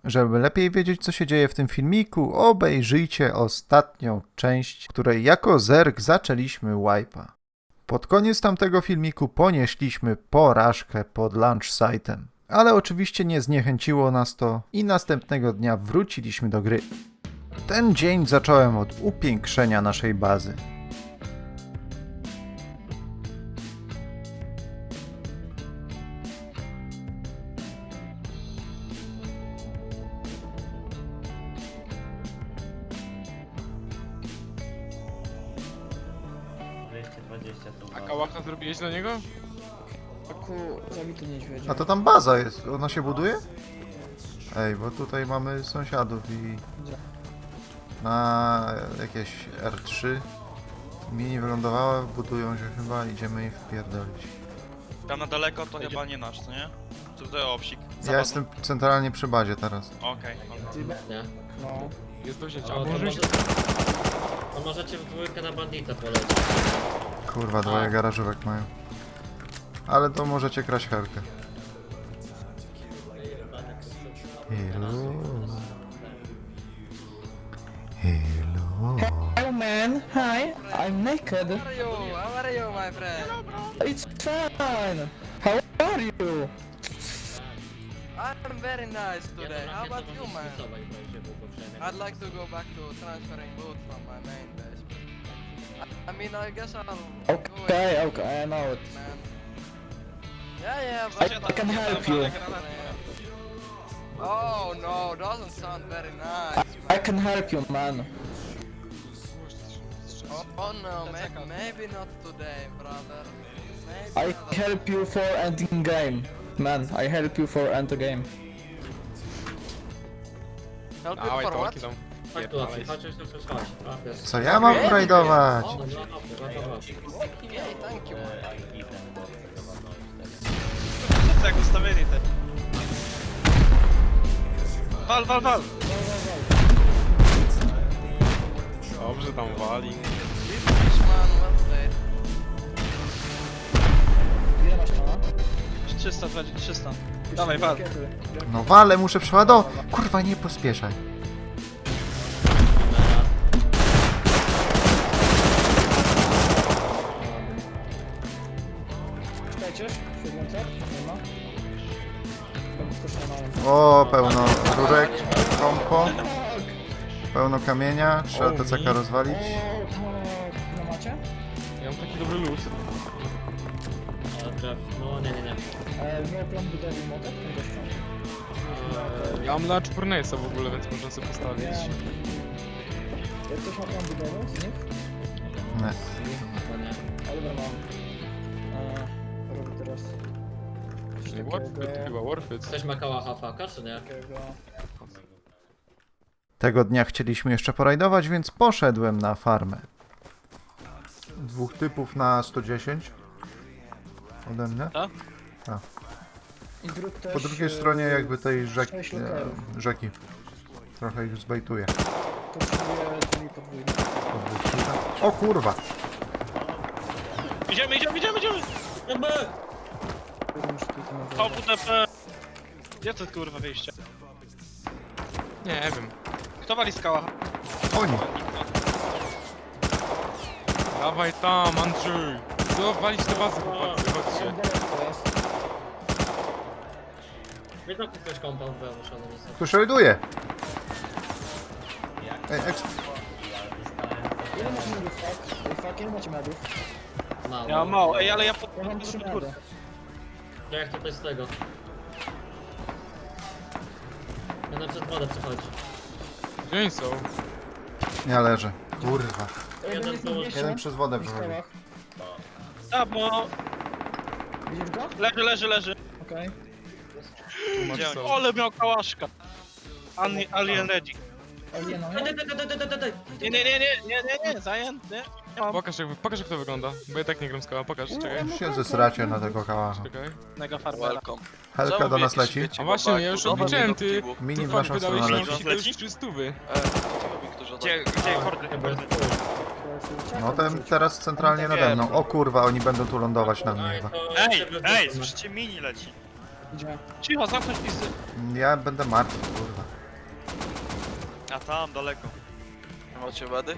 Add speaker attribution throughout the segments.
Speaker 1: Żeby lepiej wiedzieć, co się dzieje w tym filmiku, obejrzyjcie ostatnią część, w której jako zerg zaczęliśmy wipe'a. Pod koniec tamtego filmiku ponieśliśmy porażkę pod launch site'em. Ale oczywiście nie zniechęciło nas to i następnego dnia wróciliśmy do gry. Ten dzień zacząłem od upiększenia naszej bazy.
Speaker 2: A kałacha zrobiłeś dla niego?
Speaker 3: Aku, zabity niedźwiedzie.
Speaker 1: A to tam baza jest, ona się buduje? Ej, bo tutaj mamy sąsiadów i
Speaker 3: Gdzie?
Speaker 1: na jakieś R3 mini wylądowała, budują się chyba, idziemy im wpierdolić.
Speaker 4: Tam na daleko to chyba nie nasz, co nie? Czy to owsik?
Speaker 1: Ja jestem centralnie przy bazie teraz.
Speaker 4: Okej.
Speaker 5: Nie.
Speaker 3: No.
Speaker 2: Jest do wzięcia.
Speaker 5: O,
Speaker 2: A
Speaker 5: to,
Speaker 2: może...
Speaker 5: to możecie w dwójkę na bandita polecieć.
Speaker 1: Kurwa, dwoje garażówek mają. Ale to możecie kraść helkę. Hello. Hello.
Speaker 3: Hello man, hi, I'm naked.
Speaker 6: How are you, my friend?
Speaker 3: It's fine. How are you?
Speaker 6: I'm very nice today. How about you, man? I'd like to go back to transferring loot from my main base. I mean, I guess I'll go
Speaker 3: Okay, okay, I know it.
Speaker 6: man. Yeah,
Speaker 3: I can help you.
Speaker 6: Oh no, doesn't sound very nice.
Speaker 3: I can help you, man.
Speaker 6: Oh no, maybe not today, brother.
Speaker 3: I
Speaker 6: Maybe not.
Speaker 3: help you for ending game. Man, I help you for end the game.
Speaker 6: Help you
Speaker 2: Dawaj,
Speaker 6: for
Speaker 2: to
Speaker 6: what?
Speaker 2: łaki tam.
Speaker 5: Chodź tu, chodź, chodź. Chodź.
Speaker 1: Co ja mam rajdować?
Speaker 5: No, chodź.
Speaker 6: Okay, thank you, man.
Speaker 4: Co jak ustawili te? Wal!
Speaker 2: Dobrze tam wali.
Speaker 6: Finish, man, well played.
Speaker 3: Ile masz na?
Speaker 4: 300. Dawaj, wal.
Speaker 1: No wale, muszę przeładować. Kurwa, nie pospieszaj.
Speaker 3: Czekajcie, siedzące? Nie ma. Będę skoszonałem.
Speaker 1: O, pełno rurek, kompo, pełno kamienia, trzeba TCK rozwalić.
Speaker 3: O, tak. No macie?
Speaker 2: Ja mam taki dobry luz.
Speaker 5: No, nie.
Speaker 3: Miał plan budowy motek?
Speaker 2: Ja mam Large Furnace'a w ogóle, więc można sobie postawić.
Speaker 3: Jak ktoś ma plan budowy z nich?
Speaker 1: Nie.
Speaker 3: Ale dobra, mam. Robię teraz coś
Speaker 2: Nie
Speaker 3: takiego.
Speaker 2: Warfit, chyba Warfit.
Speaker 5: Ktoś ma kałacha faka, czy nie?
Speaker 3: takiego.
Speaker 1: Tego dnia chcieliśmy jeszcze porajdować, więc poszedłem na farmę. Dwóch typów na 110. Ode mnie.
Speaker 3: I druk też,
Speaker 1: Po drugiej stronie jakby tej
Speaker 3: sześć lokalów.
Speaker 1: rzeki. Trochę ich zbejtuję.
Speaker 3: Potrzebuję drzwi podwójne.
Speaker 1: O kurwa!
Speaker 4: Idziemy!
Speaker 3: Muszę tutaj na
Speaker 4: To WTP! Gdzie to kurwa wyjście?
Speaker 2: Nie wiem.
Speaker 4: Kto wali skała?
Speaker 1: Oni!
Speaker 2: Dawaj tam, Andrzej. No, walić te bazy, chłopacy, chodźcie.
Speaker 3: daleko jest.
Speaker 5: Wiesz, jak ktoś compound wymuszony niestety.
Speaker 1: Tu rajduje! Ej,
Speaker 3: Ile macie medów, fuck? Fuck, ile macie medów?
Speaker 5: Mało.
Speaker 4: Ja mam mało, ej, ale ja pod...
Speaker 3: Ja mam 3 medy.
Speaker 5: To jak tutaj z tego? Jeden przez wodę przechodzi.
Speaker 2: Gdzie oni są?
Speaker 1: nie leży. Kurwa.
Speaker 3: Jeden jest na 200.
Speaker 1: Jeden przez wodę
Speaker 3: w
Speaker 1: przechodzi.
Speaker 3: skałach.
Speaker 4: A, bo...
Speaker 3: Widzisz go?
Speaker 4: Leży.
Speaker 3: Okej.
Speaker 2: Tu masz
Speaker 4: Gdzie
Speaker 2: są.
Speaker 4: on? Ole miał kałaszka. Alien ready.
Speaker 3: Aliena,
Speaker 4: Nie, zajęty.
Speaker 2: Pokaż jak to wygląda, bo ja tak nie gram skała, pokaż, czekaj.
Speaker 1: Się zesracie na tego kałacha.
Speaker 2: Czekaj.
Speaker 4: Mega farmera.
Speaker 1: Helka do nas leci.
Speaker 2: A właśnie, ja już odliczyłem, ty.
Speaker 1: Mini w
Speaker 2: Ty
Speaker 1: naszą
Speaker 2: wydałeś
Speaker 1: stronę
Speaker 2: mi
Speaker 1: leci.
Speaker 2: to już 300.
Speaker 4: Gdzie kordy?
Speaker 1: No ten teraz centralnie nade mną. O kurwa, oni będą tu lądować na mnie chyba.
Speaker 4: Ej, słyszycie, mini leci.
Speaker 3: Gdzie?
Speaker 7: Cicho, zamknąć pisy.
Speaker 1: Ja będę martwy, kurwa.
Speaker 4: A tam, daleko.
Speaker 6: Macie wady?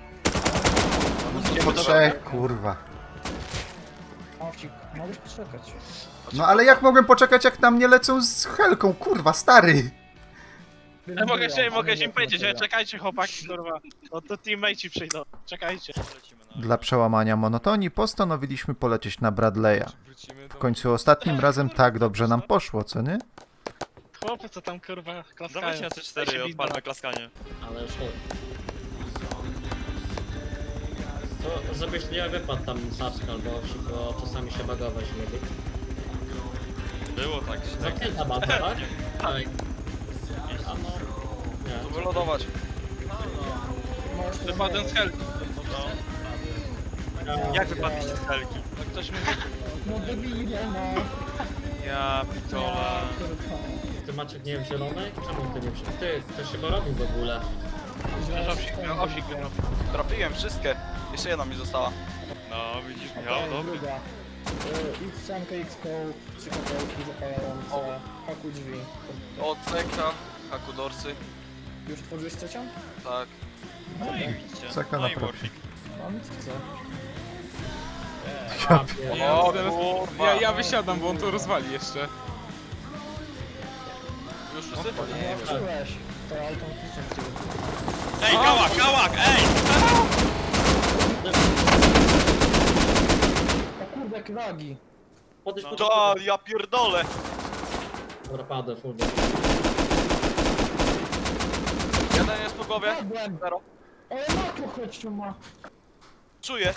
Speaker 1: Po trzech, kurwa.
Speaker 3: Owcik, mogłeś poczekać.
Speaker 1: No ale jak mogłem poczekać, jak na mnie lecą z helką, kurwa, stary?
Speaker 7: Ja mogę im powiedzieć, że czekajcie chłopaki, kurwa. To teammate'i przyjdą. Czekajcie.
Speaker 4: Lecimy na...
Speaker 1: Dla przełamania monotonii postanowiliśmy polecieć na Bradley'a.
Speaker 2: Wrócimy
Speaker 1: W
Speaker 2: do...
Speaker 1: końcu ostatnim razem tak dobrze nam poszło, co nie?
Speaker 7: Chłopy, co tam kurwa klaskają.
Speaker 4: Dawajcie na C4 i odpalmy klaskanie.
Speaker 5: Ale już chodź. To żebyś nie wypadł tam saczka albo owsik, bo czasami się bagować lubi.
Speaker 4: Było tak.
Speaker 5: Zamknięta baza, tak? Tak. A no...
Speaker 6: Tu
Speaker 5: Nie.
Speaker 6: wylodować.
Speaker 7: Wypadłem z helki.
Speaker 4: Jak wypadliście z helki?
Speaker 7: No ktoś mi
Speaker 3: No debile, no.
Speaker 4: Ja pitole.
Speaker 5: Ty Maciek nie wiem zielony? Czemu ty nie przy... Ty, ktoś chyba robił w ogóle.
Speaker 7: owsik wygrał.
Speaker 6: Trafiłem wszystkie. Jeszcze jedna mi została.
Speaker 4: No, widzisz Michał, dobry.
Speaker 3: Druga. X-Sanka, X-Koł, 3 kapełki zapalające, haku drzwi.
Speaker 6: O, ceka, hakudorsy.
Speaker 3: Już tworzyłeś trzecią?
Speaker 6: Tak.
Speaker 4: No i widzicie.
Speaker 1: Czeka
Speaker 4: No
Speaker 1: na
Speaker 4: i
Speaker 1: profil.
Speaker 4: Warfik.
Speaker 3: Mam chcę.
Speaker 6: O,
Speaker 2: Zaraz-
Speaker 6: kurwa.
Speaker 2: Ja wysiadam, bo on to rozwali jeszcze.
Speaker 6: Już wszyscy?
Speaker 3: Nie wczułeś. To automatycznie w ciebie.
Speaker 4: Ej, kałak, ej!
Speaker 3: O kurde, jak lagi.
Speaker 5: Podejdź pod...
Speaker 6: Da, ja pierdolę.
Speaker 5: Dobra, padę, full.
Speaker 6: Jeden jest po głowie.
Speaker 3: Padłem.
Speaker 6: Zero.
Speaker 3: Ale makro chodźcie ma.
Speaker 6: Czuję.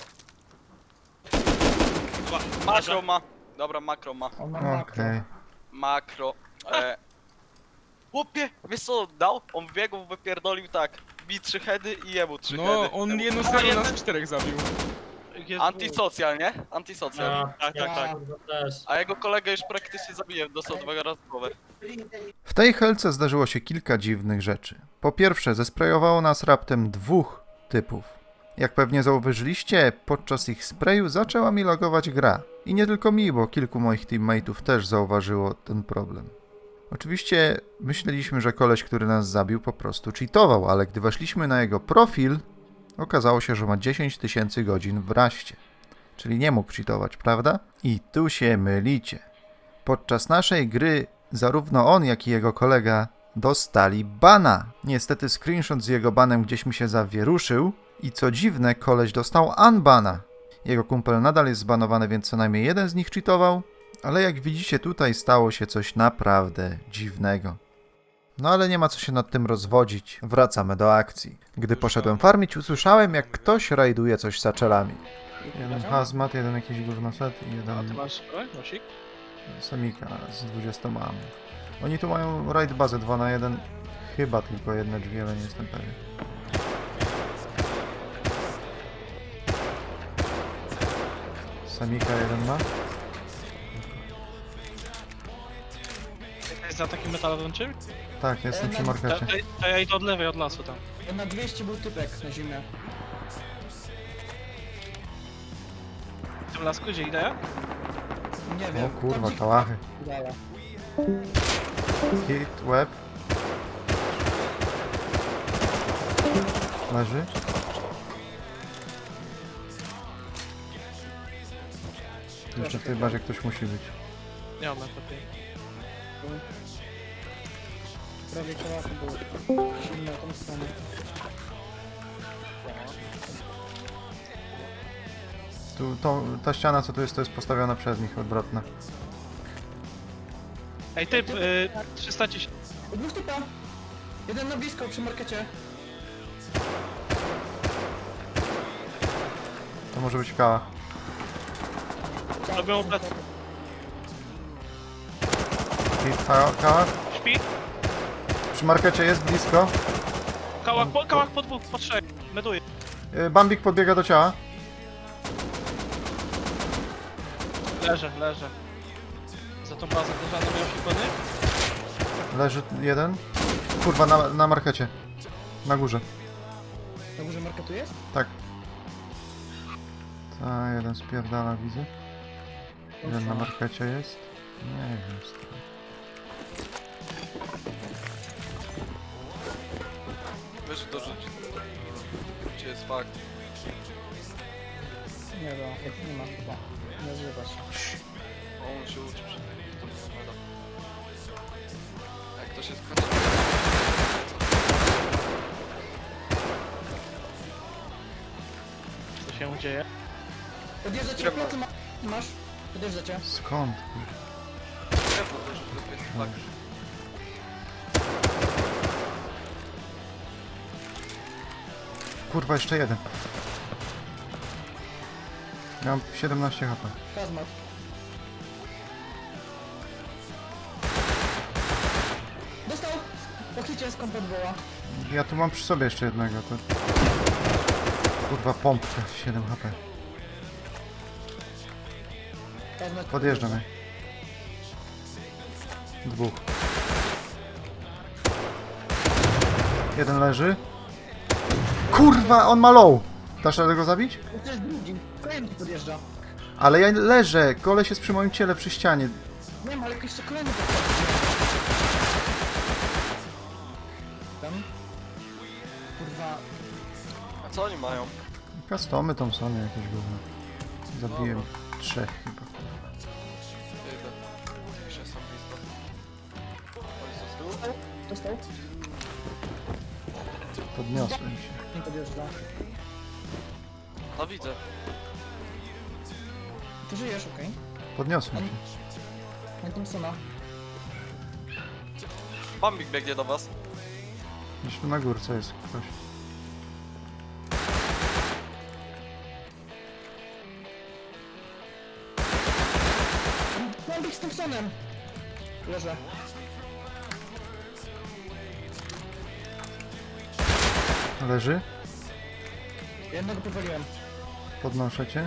Speaker 6: Makro ma. Dobra, makro ma.
Speaker 3: On ma makro.
Speaker 1: Okej.
Speaker 6: Makro. Chłopie, wiesz co dał? On biegł, wypierdolił tak. Mi 3 heady i jemu 3 heady.
Speaker 2: No, on 1-0 nas 4 zabił.
Speaker 6: Antisocjal, nie? Antisocjal.
Speaker 5: Ja,
Speaker 4: Tak, tak, tak.
Speaker 5: też.
Speaker 6: A jego kolegę już praktycznie zabiłem, dostał 2 razy w głowę.
Speaker 1: W tej helce zdarzyło się kilka dziwnych rzeczy. Po pierwsze, zesprejowało nas raptem 2 typów. Jak pewnie zauważyliście, podczas ich sprayu zaczęła mi logować gra. I nie tylko mi, bo kilku moich teammateów też zauważyło ten problem. Oczywiście myśleliśmy, że koleś, który nas zabił, po prostu cheatował, ale gdy weszliśmy na jego profil, okazało się, że ma 10 000 godzin w Raście. Czyli nie mógł cheatować, prawda? I tu się mylicie. Podczas naszej gry zarówno on, jak i jego kolega dostali bana. Niestety screenshot z jego banem gdzieś mi się zawieruszył i co dziwne, koleś dostał unbana. Jego kumpel nadal jest zbanowany, więc co najmniej jeden z nich cheatował, ale jak widzicie tutaj stało się coś naprawdę dziwnego. No ale nie ma co się nad tym rozwodzić. Wracamy do akcji. Gdy poszedłem farmić, usłyszałem, jak ktoś rajduje coś saczelami. Jeden hazmat, jeden jakiś górnoset i
Speaker 7: A ty
Speaker 1: jeden
Speaker 7: masz broń, nosik?
Speaker 1: semika z 20 mam. Oni tu mają raid bazę 2 na 1. Chyba tylko jedne drzwi, ale nie jestem pewien. Semika jeden ma.
Speaker 7: Jest za takim metalowym czym?
Speaker 1: Tak, jestem przy markecie.
Speaker 7: To ja idę od lewej, od lasu tam.
Speaker 3: Na 200 był typek na zimę.
Speaker 7: W tym lasku, gdzie idę ja?
Speaker 3: Nie
Speaker 1: O
Speaker 3: wiem.
Speaker 1: kurwa,
Speaker 3: Tam
Speaker 1: kałachy.
Speaker 3: Dala.
Speaker 1: Hit, web. Leży. Jeszcze w tej bazie ktoś musi być.
Speaker 7: Nie mam na kopie.
Speaker 3: Prawie kołachy był. Zimno tą stronę.
Speaker 1: Ta ściana co tu jest, to jest postawiona przez nich, odwrotna.
Speaker 7: Ej, typ, 310.
Speaker 3: Dwóch typa. Jeden na blisko przy markecie.
Speaker 1: To może być kała.
Speaker 7: Robią plecy.
Speaker 1: Hit, kała.
Speaker 7: Śpi.
Speaker 1: Przy markecie jest blisko.
Speaker 7: Kałak po dwóch, po trzech. Meduję.
Speaker 1: Bambik podbiega do ciała.
Speaker 7: Leżę. Za tą bazę też miał się kony?
Speaker 1: Leży jeden. Kurwa, na markecie. Na górze.
Speaker 3: Na górze marketu jest?
Speaker 1: Tak. Ta, jeden spierdala, widzę. Jeden na markecie jest. Nie wiem. Stary.
Speaker 8: Weź dorzuć. Gdzie jest fakt?
Speaker 3: Nie wiem, jak nie ma chyba. Nie zrywa się.
Speaker 8: O, on się uczy przed tym. Jak ktoś jest w
Speaker 7: Co się dzieje?
Speaker 3: Podjeżdża cię, plecy masz. Podjeżdża cię.
Speaker 1: Skąd?
Speaker 8: drewno też, to jest fakt.
Speaker 1: Kurwa, jeszcze jeden. Ja mam 17 HP.
Speaker 3: Hazmat. Dostał! Po hicie skąd podwoła.
Speaker 1: Ja tu mam przy sobie jeszcze jednego. To... Kurwa, pompka. 7 HP.
Speaker 3: Hazmat.
Speaker 1: Podjeżdżam je. Dwóch. Jeden leży. Kurwa, on ma low. Dasz radę go zabić?
Speaker 3: To jest drugi. Kolejny podjeżdża.
Speaker 1: Ale ja leżę. Koleś jest przy moim ciele, przy ścianie.
Speaker 3: Nie ma, ale jeszcze kolejny podjeżdża. Tam. Kurwa.
Speaker 8: A co oni mają?
Speaker 1: Customy Thompsony jakieś gówno. Zabiłem 3 chyba.
Speaker 8: Idę. Piszę sam blisko. Oni są z tyłu?
Speaker 3: Dostał?
Speaker 1: Podniosłem się.
Speaker 3: Nie podjeżdża.
Speaker 8: No widzę.
Speaker 3: Ty żyjesz, okej.
Speaker 1: Podniosłem się.
Speaker 3: Na Thompsona.
Speaker 8: Bambik biegnie do was.
Speaker 1: Gdzieś tu na górce jest ktoś.
Speaker 3: Mam być z Thompsonem! Leżę.
Speaker 1: Leży.
Speaker 3: Jednego powaliłem.
Speaker 1: Podnoszę cię.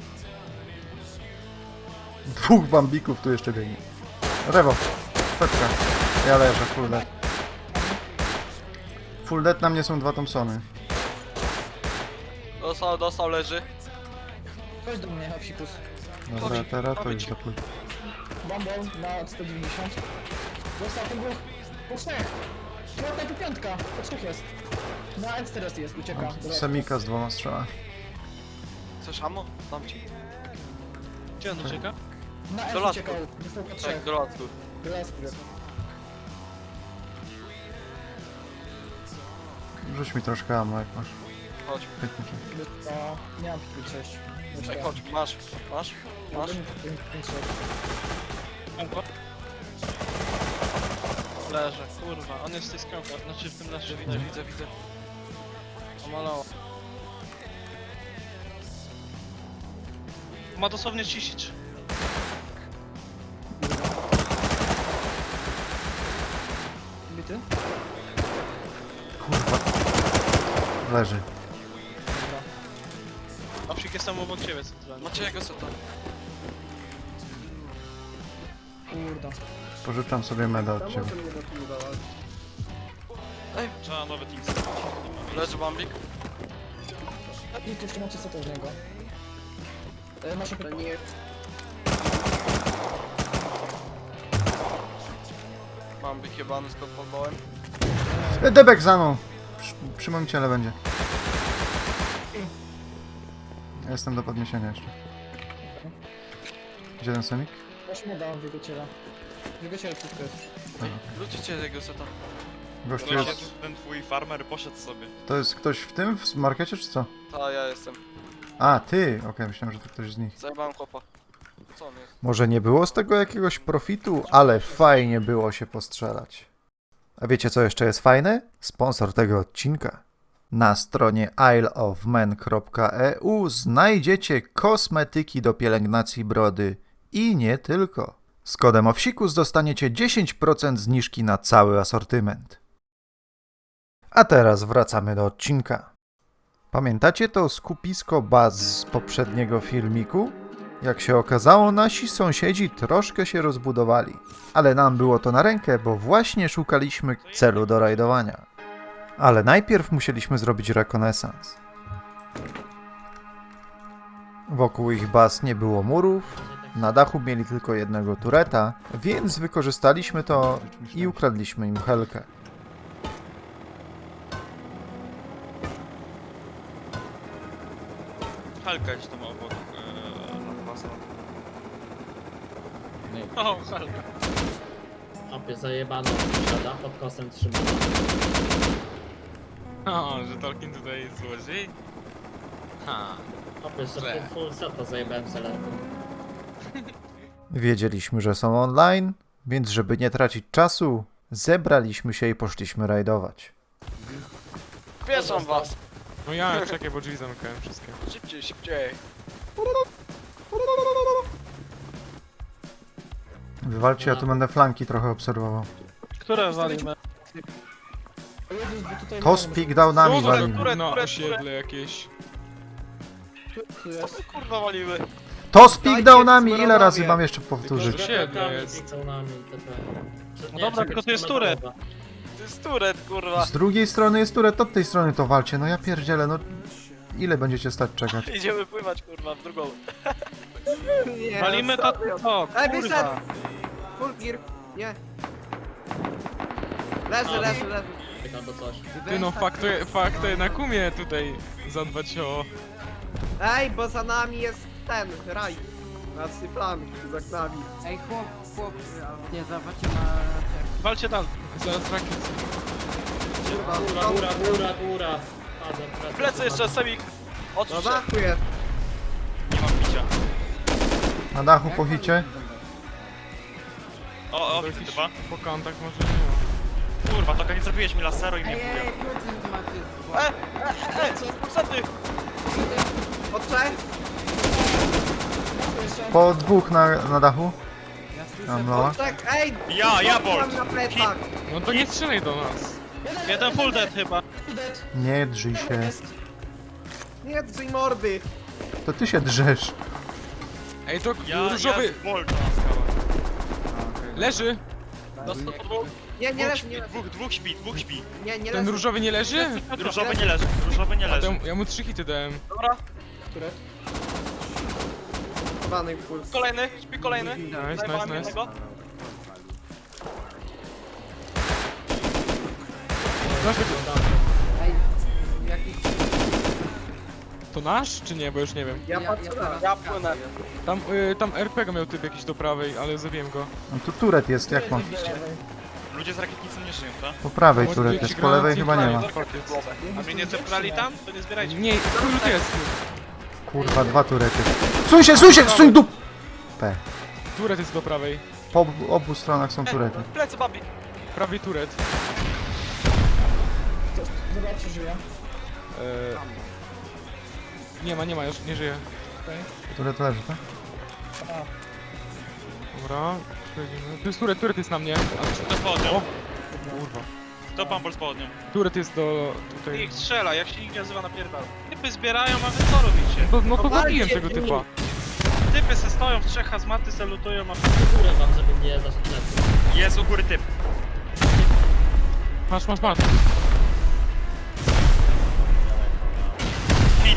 Speaker 1: Dwóch bambików tu jeszcze biegnie. Rewo. Fetka. Ja leżę, full dead. Full dead na mnie są 2 Thompsony.
Speaker 8: Dostał, leży.
Speaker 3: Chodź do mnie, Hapsikus.
Speaker 1: Dobra, teraz to już za późno.
Speaker 3: Bumble na 190. Dostał ten dwóch. Po trzech. Piąta i piątka. Po trzech jest. Na X4 jest, ucieka. Dobra.
Speaker 1: Semika z 2 strzałami.
Speaker 8: Chcesz ammo? Dam ci.
Speaker 7: Gdzie on ucieka?
Speaker 3: Na F
Speaker 8: Do lasu.
Speaker 3: uciekał. Dostał po trzech.
Speaker 8: Tak, do lasu.
Speaker 3: Do lasu.
Speaker 1: Rzuć mi troszkę ammo jak masz.
Speaker 8: Chodź.
Speaker 1: Pytniki.
Speaker 3: To nie mam pitki 6.
Speaker 8: Ej, chodź, masz. Masz? Masz?
Speaker 7: Leży, kurwa, on jest w tej skałce, znaczy w tym leży,
Speaker 8: Widzę, widzę, widzę.
Speaker 7: pomalował. Ma dosłownie 33.
Speaker 3: Bity?
Speaker 1: Kurwa. Leży.
Speaker 7: A psik jest tam obok ciebie centralnie.
Speaker 8: Macie jego seta.
Speaker 3: Kurde.
Speaker 1: Pożyczam sobie meda od ciebie.
Speaker 4: Trzeba nowy team.
Speaker 8: Leży Bambik.
Speaker 3: I tu jeszcze macie setę z niego. Masz opiekę.
Speaker 8: Bambik jebany z podpalbałem.
Speaker 1: Debek za mną! Przy moim ciele będzie. Ja jestem do podniesienia jeszcze. Gdzie ten semik?
Speaker 3: Masz mu dałem w jego ciele. W jego ciele wszystko jest.
Speaker 8: Ludzicie jego seta.
Speaker 1: Gościu jest...
Speaker 4: Ten twój farmer poszedł sobie.
Speaker 1: To jest ktoś w tym? W markecie czy co?
Speaker 8: Ta, ja jestem.
Speaker 1: A, ty! Okej, myślałem, że to ktoś z nich.
Speaker 8: Zajebałem chłopa. Co on jest?
Speaker 1: Może nie było z tego jakiegoś profitu, ale fajnie było się postrzelać. A wiecie co jeszcze jest fajne? Sponsor tego odcinka. Na stronie isleofmen.eu znajdziecie kosmetyki do pielęgnacji brody i nie tylko. Z kodem OWSIKUS dostaniecie 10% zniżki na cały asortyment. A teraz wracamy do odcinka. Pamiętacie to skupisko baz z poprzedniego filmiku? Jak się okazało, nasi sąsiedzi troszkę się rozbudowali. Ale nam było to na rękę, bo właśnie szukaliśmy celu do rajdowania. Ale najpierw musieliśmy zrobić rekonesans. Wokół ich baz nie było murów, Na dachu mieli tylko jednego tureta, więc wykorzystaliśmy to i ukradliśmy im helkę.
Speaker 4: Helka gdzieś tam obok Lampasa.
Speaker 7: O, Helka.
Speaker 5: Opie zajebano siada, pod kosem trzymano.
Speaker 2: O, że Tolkien tutaj jest złodziej? Ha.
Speaker 5: Opie, że full seta zajebałem selerką.
Speaker 1: Wiedzieliśmy, że są online, więc żeby nie tracić czasu, zebraliśmy się i poszliśmy rajdować.
Speaker 8: Pieszą was!
Speaker 2: No ja, czekaj, bo drzwi zamykałem wszystkie.
Speaker 8: Szybciej, szybciej.
Speaker 1: Wywalcie, ja tu będę flanki trochę obserwował.
Speaker 7: Które walimy?
Speaker 3: O Jezus, bo tutaj...
Speaker 1: To z pickdownami
Speaker 2: No,
Speaker 1: walimy.
Speaker 2: no, osiedle jakieś.
Speaker 3: Tu jest.
Speaker 8: Kurwa walimy.
Speaker 1: To z pickdownami! Ile razy mam jeszcze powtórzyć?
Speaker 2: Osiedle jest.
Speaker 7: No dobra, tylko to jest turet.
Speaker 8: To jest turet, kurwa.
Speaker 1: Z drugiej strony jest turet, od tej strony to walcie. No ja pierdzielę, no... Ile będziecie stać czekać?
Speaker 8: Idziemy pływać, kurwa, w drugą.
Speaker 7: Walimy to, o,
Speaker 9: Ej, wyszedł!
Speaker 7: kurwa.
Speaker 9: Full gear. Nie. Leży, leży, leży.
Speaker 5: Albo coś.
Speaker 2: Ty no, fakt to jednak umie tutaj zadbać o...
Speaker 9: Ej, bo za nami jest ten, raj. Znaczy flank, za nami.
Speaker 6: Ej, chłop, nie zobaczcie na...
Speaker 7: Walcie tam.
Speaker 2: Zaraz rakiet.
Speaker 5: Góra.
Speaker 8: Plecy jeszcze, Semik.
Speaker 9: No
Speaker 8: Odsuń się.
Speaker 9: dachu jest.
Speaker 4: Nie mam picia.
Speaker 1: Na dachu po hicie?
Speaker 4: O,
Speaker 2: To
Speaker 4: widzę
Speaker 2: jakiś
Speaker 4: chyba.
Speaker 2: po kantach może nie.
Speaker 4: Kurwa, to nie zrobiłeś mi laseru i mnie
Speaker 6: Ej,
Speaker 4: wbija.
Speaker 6: procent macie.
Speaker 8: Pulsaty!
Speaker 9: Od trzech?
Speaker 1: Po dwóch na dachu?
Speaker 6: Ja słyszę...
Speaker 1: Tam mała.
Speaker 9: Od trzech, ej!
Speaker 4: Ja,
Speaker 9: Mam
Speaker 4: Bolt!
Speaker 9: na plecach.
Speaker 2: No to nie strzelaj do nas.
Speaker 7: Jeden full dead chyba.
Speaker 1: Nie drzyj się.
Speaker 9: Nie drzyj mordy.
Speaker 1: To ty się drzesz.
Speaker 2: Ej, to
Speaker 4: Ja
Speaker 2: różowy...
Speaker 4: z Bolt na skałach.
Speaker 2: Leży?
Speaker 8: Dostał po dwóch.
Speaker 9: Nie, nie
Speaker 4: Dwóch
Speaker 9: leży,
Speaker 4: śpi,
Speaker 9: nie leży.
Speaker 4: dwóch śpi, dwóch śpi.
Speaker 9: Nie, nie
Speaker 2: Ten
Speaker 9: leży.
Speaker 2: różowy nie leży?
Speaker 4: Różowy nie leży, różowy nie
Speaker 2: A to
Speaker 4: leży.
Speaker 2: ja mu 3 hity dałem.
Speaker 8: Dobra,
Speaker 9: Zwany full.
Speaker 8: kolejny, śpi kolejny.
Speaker 2: Nice,
Speaker 8: Zajebałem
Speaker 2: nice.
Speaker 8: jednego.
Speaker 6: Ej, jakiś...
Speaker 2: To nasz, czy nie? Bo już nie wiem.
Speaker 9: Ja patrzę na.
Speaker 6: teraz
Speaker 8: Ja płynę.
Speaker 2: Tam RPG miał typ jakiś do prawej, ale zabiłem go.
Speaker 1: No tu turet jest, jak mam?
Speaker 4: Ludzie z rakietnicą nie żyją, tak?
Speaker 1: Po prawej
Speaker 2: Bo
Speaker 1: turet
Speaker 2: ci
Speaker 1: jest, po lewej chyba nie ma.
Speaker 2: Fuck it.
Speaker 7: A mnie nie zebrali tam? To nie zbierajcie.
Speaker 2: Nie, tu jest.
Speaker 1: Kurwa, dwa turety. Suń się, suń dup! P.
Speaker 2: Turet jest do prawej.
Speaker 1: Po obu stronach są turety.
Speaker 8: Plecy, babi.
Speaker 2: Prawie turet.
Speaker 3: Zobaczcie, żyje.
Speaker 2: Nie ma, już nie żyje.
Speaker 1: Turet leży, tak?
Speaker 2: Dobra, przechodzimy. Tu jest turet jest na mnie.
Speaker 4: Kto podniósł?
Speaker 2: O, kurwa.
Speaker 4: Kto pan podniósł?
Speaker 2: Turet jest do... tutaj.
Speaker 7: Niech strzela, jak się nikt nie nazywa napierdala. Typy zbierają, a wy co robicie?
Speaker 2: No to
Speaker 9: walcie
Speaker 2: zabiłem
Speaker 9: z
Speaker 2: tego
Speaker 9: nimi.
Speaker 2: typa.
Speaker 7: Typy se stoją w trzech hazmaty, salutują, a
Speaker 5: Górę wam, żeby mnie zaszedł plecy.
Speaker 4: Jest u góry typ.
Speaker 2: Masz.
Speaker 4: Hit.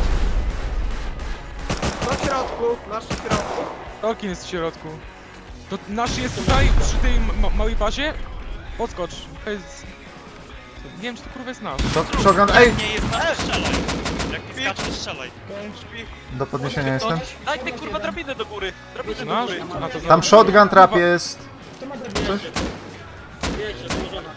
Speaker 9: Na środku, na środku.
Speaker 2: Tolkien jest w środku. To nasz jest tutaj, przy tej małej bazie. Podskocz. To jest... Nie wiem, czy to kurwa jest nasz.
Speaker 1: Shotgun, ej!
Speaker 4: Nie jest nasz, strzelaj. Jak ty skaczesz, strzelaj.
Speaker 8: Śpi.
Speaker 1: Do podniesienia jestem.
Speaker 8: Daj ty kurwa drabinę do góry. Drabinę do
Speaker 2: Nasz?
Speaker 8: góry.
Speaker 2: A, to
Speaker 1: Tam shotgun trap jest.
Speaker 5: Wiecie, położona.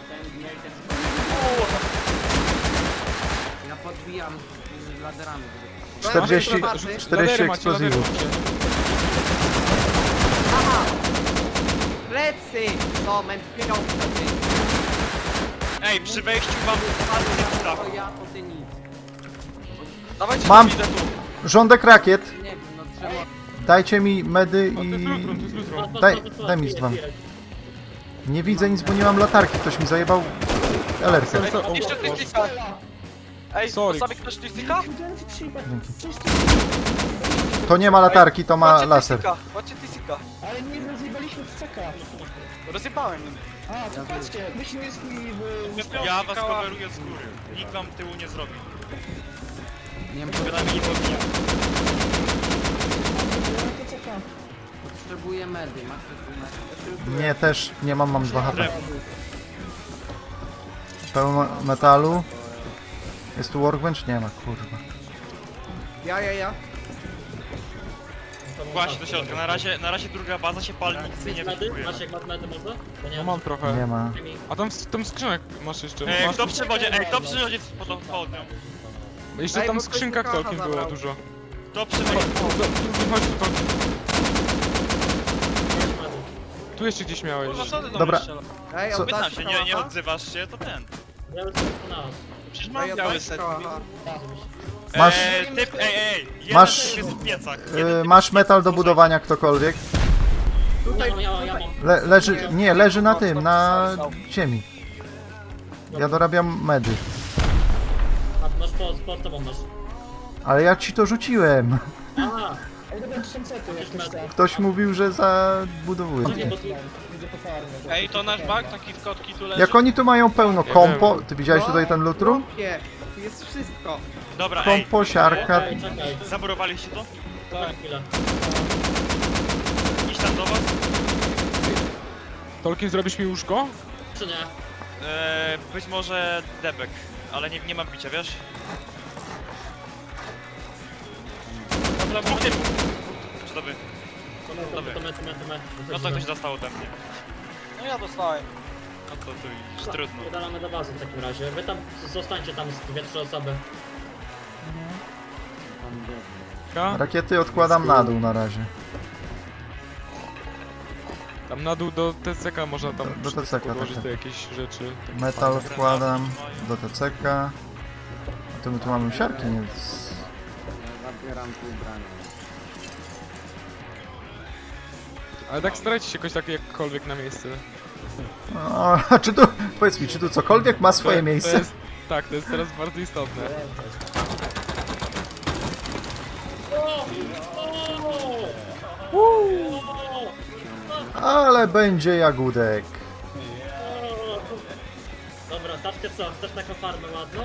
Speaker 6: Ja podbijam laderami.
Speaker 1: 40
Speaker 2: Ladery macie,
Speaker 1: eksplozywów.
Speaker 2: ladery macie.
Speaker 9: Aha! Plecy! Co, mam pieniądze.
Speaker 4: Ej, przy wejściu mam padł typ z dachu.
Speaker 6: O ja, to ty nic.
Speaker 8: Dawajcie
Speaker 1: Mam.
Speaker 8: drabinę tu.
Speaker 1: Rządek rakiet.
Speaker 6: Nie wiem, no trzeba...
Speaker 1: Dajcie mi medy
Speaker 2: O, to jest
Speaker 1: i...
Speaker 2: lutrum, to jest lutrum.
Speaker 1: Daj mi z dwa. Nie widzę nic, bo nie mam latarki. Ktoś mi zajebał LR-kę.
Speaker 8: Jeszcze tystika. Ej,
Speaker 2: Sorry.
Speaker 8: postawi ktoś tystika?
Speaker 1: To nie ma latarki, to ma laser.
Speaker 8: Macie tysika.
Speaker 3: Ale nie rozjebaliśmy CK.
Speaker 8: Rozjebałem.
Speaker 3: A, to patrzcie, myśmy jest mi w...
Speaker 4: Ja was coveruję z góry. Nikt wam tyłu nie zrobi.
Speaker 6: Nie wiem,
Speaker 4: Przed nami nie podbija.
Speaker 3: To CK.
Speaker 6: Potrzebuję medy, masz tu medy?
Speaker 1: Nie, też nie mam, mam 2 HP. Pełno metalu. Jest tu workbench? Nie ma, kurwa.
Speaker 9: Ja.
Speaker 4: Właśnie do środka, na razie druga baza się pali, nic nie
Speaker 5: Medy?
Speaker 4: wyskakuje.
Speaker 5: Masz jak masz medy może? Bo nie
Speaker 2: No mam trochę.
Speaker 1: Nie ma.
Speaker 2: A tam skrzynek masz jeszcze. Masz
Speaker 4: Kto przy wodzie, kto przy wodzie pod południą?
Speaker 2: jeszcze
Speaker 9: Ej,
Speaker 2: tam
Speaker 9: bo
Speaker 2: w
Speaker 9: ktoś
Speaker 2: skrzynkach
Speaker 9: mi kacha
Speaker 2: całkiem było
Speaker 9: zabrał.
Speaker 2: dużo.
Speaker 4: Kto przy
Speaker 2: Chodź,
Speaker 4: wodzie?
Speaker 2: chodź tu, Tolkien.
Speaker 5: medy.
Speaker 2: Tu jeszcze gdzieś miałeś.
Speaker 7: Kurwa, co ty do
Speaker 1: Dobra.
Speaker 7: mnie strzelasz?
Speaker 9: Ej,
Speaker 1: Co?
Speaker 4: Pytam
Speaker 9: oddać
Speaker 4: się,
Speaker 9: kałacha?
Speaker 4: nie odzywasz się, to ten.
Speaker 5: Ja bym sobie to na nas.
Speaker 7: Przecież
Speaker 9: Ej,
Speaker 7: mam biały
Speaker 9: oddać
Speaker 7: set.
Speaker 9: kałacha.
Speaker 1: Masz-
Speaker 4: Typ, jeden
Speaker 1: Masz-
Speaker 4: typ jest w piecach.
Speaker 1: Masz metal do budowania ktokolwiek?
Speaker 9: Tutaj
Speaker 5: Ja mam.
Speaker 1: Leży, nie, leży na tym, na ziemi. Ja dorabiam medy.
Speaker 5: A masz po tobą masz.
Speaker 1: Ale ja ci to rzuciłem.
Speaker 5: A,
Speaker 3: Ej, dobra, tu są sety, jak ktoś chce.
Speaker 1: Ktoś mówił, że zabudowuje.
Speaker 5: nie, bo tu...
Speaker 3: Widzę po farmie.
Speaker 7: Ej, to nasz bug, taki w kotki tu leży.
Speaker 1: Jak oni tu mają pełno kompo... Ty widziałeś tutaj ten loot room?
Speaker 9: Chłopie, tu jest wszystko.
Speaker 4: Dobra,
Speaker 1: Kompo, siarka...
Speaker 5: Czekaj.
Speaker 4: zaburowaliście to?
Speaker 5: Tak. Chwilę.
Speaker 4: Iść tam do was?
Speaker 2: Tolkien, zrobisz mi łóżko?
Speaker 5: Czy nie?
Speaker 4: Być może debek, ale nie mam bicia, wiesz? Dobra, dwóch typów. Czy to wy?
Speaker 5: To my.
Speaker 4: No to ktoś dostał ode mnie.
Speaker 7: No ja dostałem.
Speaker 4: No to tu już trudno.
Speaker 5: Udalamy do bazy w takim razie. Wy tam zostańcie tam z 2-3 osoby.
Speaker 1: Rakiety odkładam na dół na razie.
Speaker 2: Tam na dół do TCK można tam
Speaker 1: Do TCK,
Speaker 2: podłożyć
Speaker 1: tak.
Speaker 2: te jakieś rzeczy.
Speaker 1: Metal wkładam do TCK. A to my tu mamy siarki, więc...
Speaker 2: Ale tak starajcie się jakoś tak jakkolwiek na miejsce.
Speaker 1: No, a czy tu... Powiedz mi, czy tu cokolwiek ma swoje
Speaker 2: To
Speaker 1: miejsce?
Speaker 2: jest, tak, to jest teraz bardzo istotne.
Speaker 1: Ale będzie jagódek.
Speaker 5: Dobra, Saczkę co? Chcesz taką farmę ładną?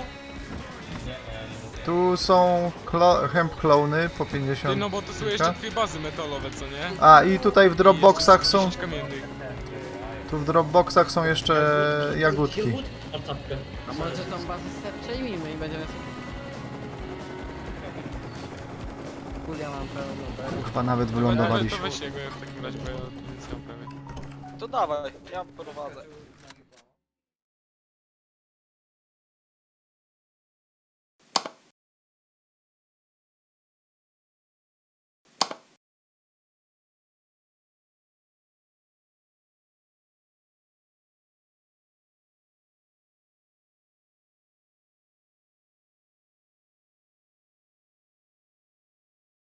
Speaker 1: Tu są hemp klony po 50.
Speaker 2: Ty, no bo to są jeszcze 2 bazy metalowe, co nie?
Speaker 1: A i tutaj w dropboxach są...
Speaker 2: 10 kamiennych.
Speaker 1: Tu w dropboxach są jeszcze jagódki.
Speaker 5: Masz czapkę.
Speaker 6: A może tą bazę przejmijmy i będziemy... Kulia mam pełno.
Speaker 1: Chyba nawet
Speaker 2: To
Speaker 1: wylądowaliśmy.
Speaker 2: weź jego w takim razie, bo ja nic nie mam prawie.
Speaker 7: To dawaj, ja prowadzę.